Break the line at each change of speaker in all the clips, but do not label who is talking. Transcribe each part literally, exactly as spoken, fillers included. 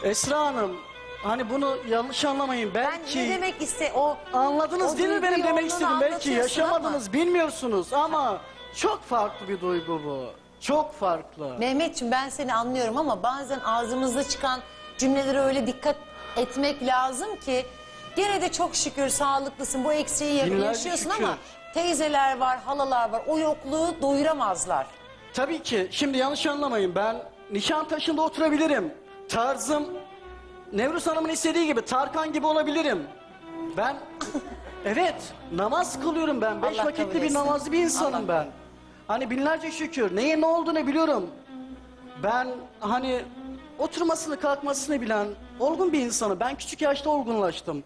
Esra Hanım, hani bunu yanlış anlamayın. Belki
Ben ne demek iste o
anladınız
o
değil mi benim
duyguyu
demek
ondan
istediğim? Belki
anlatıyorsun
yaşamadınız,
ama.
bilmiyorsunuz ama çok farklı bir duygu bu. Çok farklı.
Mehmetciğim ben seni anlıyorum ama bazen ağzımızda çıkan cümlelere öyle dikkat etmek lazım ki gene de çok şükür sağlıklısın, bu eksiği ya-
Binlerce
yaşıyorsun
şükür.
ama teyzeler var, halalar var, o yokluğu doyuramazlar.
Tabii ki şimdi yanlış anlamayın, ben Nişantaşı'nda oturabilirim. Tarzım Nevruz Hanım'ın istediği gibi Tarkan gibi olabilirim. Ben evet namaz kılıyorum ben. Beş
Allah
vakitli
kabul
bir
etsin.
namazlı bir insanım
Allah.
ben. Hani binlerce şükür. Neyin ne olduğunu biliyorum. Ben hani oturmasını kalkmasını bilen olgun bir insanım. Ben küçük yaşta olgunlaştım.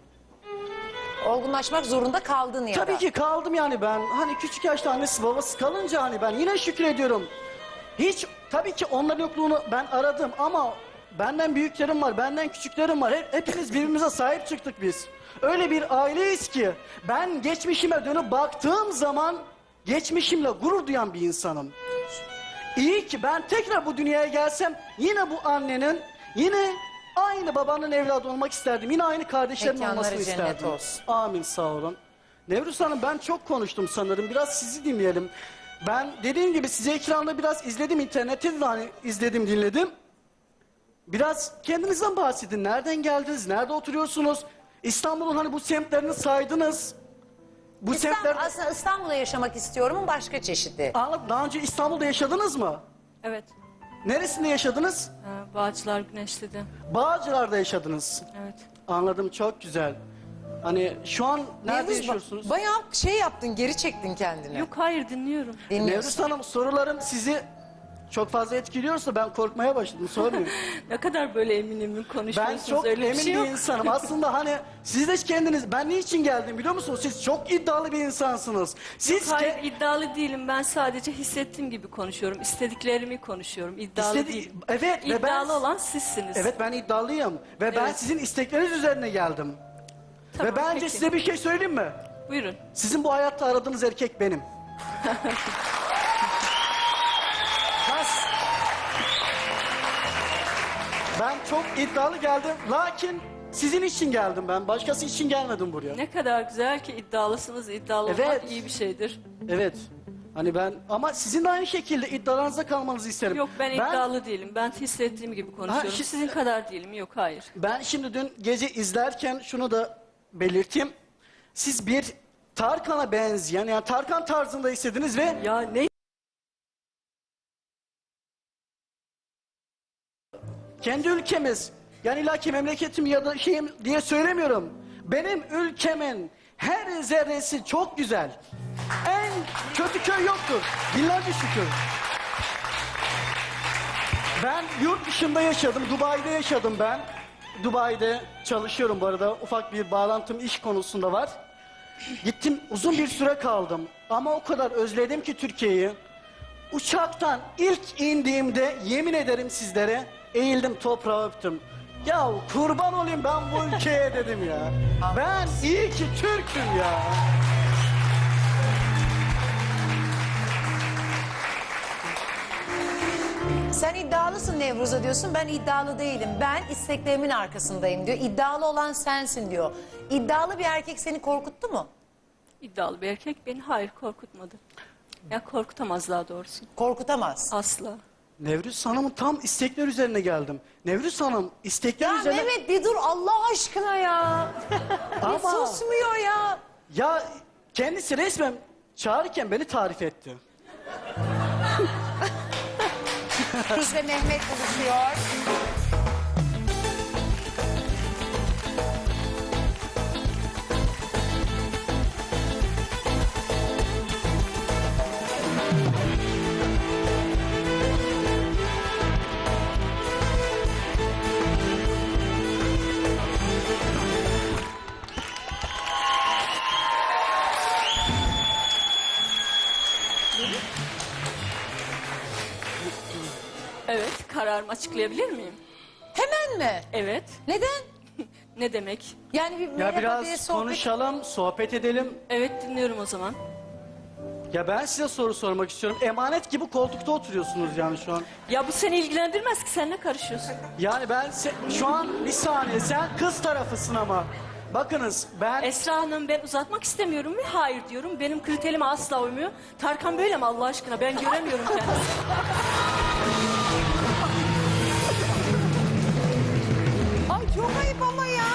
Olgunlaşmak zorunda kaldın ya da.
Tabii ki kaldım yani ben. Hani küçük yaşta annesi babası kalınca hani ben yine şükrediyorum. Hiç tabii ki onların yokluğunu ben aradım ama benden büyüklerim var, benden küçüklerim var. Hep, hepimiz birbirimize sahip çıktık biz. Öyle bir aileyiz ki ben geçmişime dönüp baktığım zaman geçmişimle gurur duyan bir insanım. İyi ki ben tekrar bu dünyaya gelsem yine bu annenin, yine aynı babanın evladı olmak isterdim. Yine aynı kardeşlerin
Mekanları
olmasını
cennet
isterdim.
olsun.
Amin, sağ olun. Nevruz Hanım ben çok konuştum sanırım. Biraz sizi dinleyelim. Ben dediğim gibi size ekranda biraz izledim, internette de hani izledim, dinledim. Biraz kendinizden bahsedin. Nereden geldiniz? Nerede oturuyorsunuz? İstanbul'un hani bu semtlerini saydınız. Bu
İstanbul,
semtler...
aslında İstanbul'da yaşamak istiyorum başka çeşidi.
Anladım. Daha önce İstanbul'da yaşadınız mı?
Evet.
Neresinde yaşadınız?
Ee, Bağcılar Güneşli'de.
Bağcılar'da yaşadınız.
Evet.
Anladım, çok güzel. Hani şu an nerede
Nevruz,
yaşıyorsunuz?
Bayağı şey yaptın, geri çektin kendini.
Yok hayır dinliyorum.
Dinliyorsun.
Nevruz Hanım, sorularım sizi çok fazla etkiliyorsa ben korkmaya başladım, sormayın.
Ne kadar böyle emin emin konuşuyorsunuz.
Ben çok
öyle bir
emin
şey
bir
yok.
insanım. Aslında hani siz de kendiniz, ben niçin geldim biliyor musunuz? Siz çok iddialı bir insansınız. Siz
Hayır
ke-
iddialı değilim. Ben sadece hissettiğim gibi konuşuyorum. İstediklerimi konuşuyorum. İddialı
İstedi-
değilim.
Evet, ve ben-
İddialı olan sizsiniz.
Evet, ben iddialıyım ve ben
Evet.
sizin istekleriniz üzerine geldim.
Tamam,
ve bence
peki.
size bir şey söyleyeyim mi?
Buyurun.
Sizin bu hayatta aradığınız erkek benim. Kas. Ben çok iddialı geldim. Lakin sizin için geldim ben. Başkası için gelmedim buraya.
Ne kadar güzel ki iddialısınız. İddialı
Evet.
olmak iyi bir şeydir.
Evet. Hani ben ama sizin de aynı şekilde iddialarınıza kalmanızı isterim.
Yok ben iddialı değilim. Ben hissettiğim gibi konuşuyorum.
şi-
Sizin kadar değilim. Yok hayır.
Ben şimdi dün gece izlerken şunu da belirteyim. Siz bir Tarkan'a benzeyen, yani Tarkan tarzında istediniz ve
Ya ne?
kendi ülkemiz, yani illaki memleketim ya da şeyim diye söylemiyorum. Benim ülkemin her zerresi çok güzel. En kötü köy yoktur. Binlerce şükür. Ben yurt dışında yaşadım. Dubai'de yaşadım ben. Dubai'de çalışıyorum bu arada. Ufak bir bağlantım iş konusunda var. Gittim, uzun bir süre kaldım. Ama o kadar özledim ki Türkiye'yi. Uçaktan ilk indiğimde yemin ederim sizlere eğildim, toprağa öptüm. Ya kurban olayım ben bu ülkeye dedim ya. Ben iyi ki Türk'üm ya.
Sen iddialısın Nevruz'a diyorsun, ben iddialı değilim. Ben isteklerimin arkasındayım diyor. İddialı olan sensin diyor. İddialı bir erkek seni korkuttu mu?
İddialı bir erkek beni hayır korkutmadı. Ya korkutamaz daha doğrusu.
Korkutamaz.
Asla.
Nevruz Hanım'ın tam istekler üzerine geldim. Nevruz Hanım istekler
Ya
üzerine...
Mehmet bir dur Allah aşkına ya. Bir
Ama-
susmuyor ya.
Ya kendisi resmen çağırırken beni tarif etti.
Nevruz ve Mehmet buluşuyor.
Evet kararımı açıklayabilir miyim?
Hemen mi?
Evet.
Neden?
Ne demek?
Yani bir
Ya
merhaba diye
biraz
sohbet...
konuşalım, sohbet edelim.
Evet dinliyorum o zaman.
Ya ben size soru sormak istiyorum. Emanet gibi koltukta oturuyorsunuz yani şu an.
Ya bu seni ilgilendirmez ki, sen ne karışıyorsun?
Yani ben se- şu an bir saniye, sen kız tarafısın ama. Bakınız ben...
Esra Hanım, ben uzatmak istemiyorum ve hayır diyorum. Benim kriterime asla uymuyor. Tarkan böyle mi Allah aşkına? Ben göremiyorum kendisini.
Ay çok ayıp ama ya.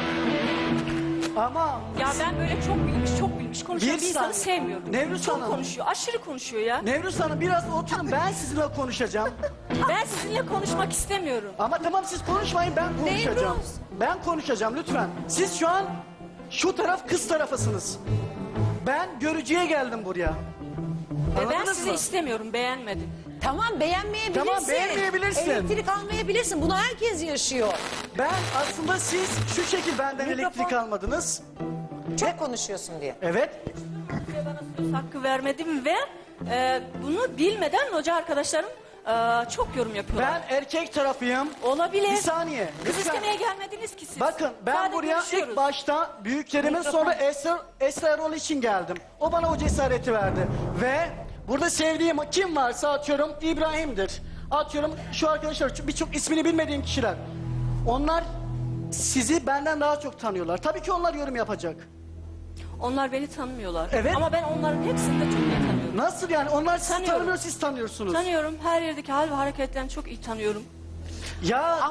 Ama
Ya ben böyle çok bilmiş, çok bilmiş konuşan
Bir
bir insanı
saniye.
sevmiyorum.
Nevruz
çok
Hanım.
konuşuyor, aşırı konuşuyor ya.
Nevruz Hanım biraz oturun, ben sizinle konuşacağım.
Ben sizinle konuşmak istemiyorum.
Ama tamam, siz konuşmayın, ben konuşacağım.
Nevruz.
Ben konuşacağım lütfen. Siz şu an şu taraf kız tarafısınız. Ben görücüye geldim buraya.
Ve ben
Anladınız
sizi
mı?
istemiyorum, beğenmedim.
Tamam beğenmeyebilirsin.
Tamam, beğenmeyebilirsin.
Elektrik almayabilirsin. Bunu herkes yaşıyor.
Ben aslında siz şu şekil benden
Mikrofon.
elektrik almadınız.
Çok konuşuyorsun diye.
Evet.
Size bana söz hakkı vermedim ve e, bunu bilmeden hoca arkadaşlarım e, çok yorum yapıyorlar.
Ben erkek tarafıyım.
Olabilir.
Bir saniye.
Kız
lütfen.
istemeye gelmediniz ki siz.
Bakın ben
Sadece
buraya
görüşüyoruz.
ilk başta büyüklerimin
Mikrofon.
sonra Esra, Esra Erol için geldim. O bana o cesareti verdi. Ve burada sevdiğim kim varsa atıyorum İbrahim'dir. Atıyorum şu arkadaşlar, birçok ismini bilmediğim kişiler. Onlar sizi benden daha çok tanıyorlar. Tabii ki onlar yorum yapacak.
Onlar beni tanımıyorlar.
Evet.
Ama ben onların hepsini de çok iyi tanıyorum.
Nasıl yani? Onlar sizi
Tanıyorum.
tanımıyor, siz tanıyorsunuz.
Tanıyorum. Her yerdeki hal ve hareketlerini çok iyi tanıyorum.
Ya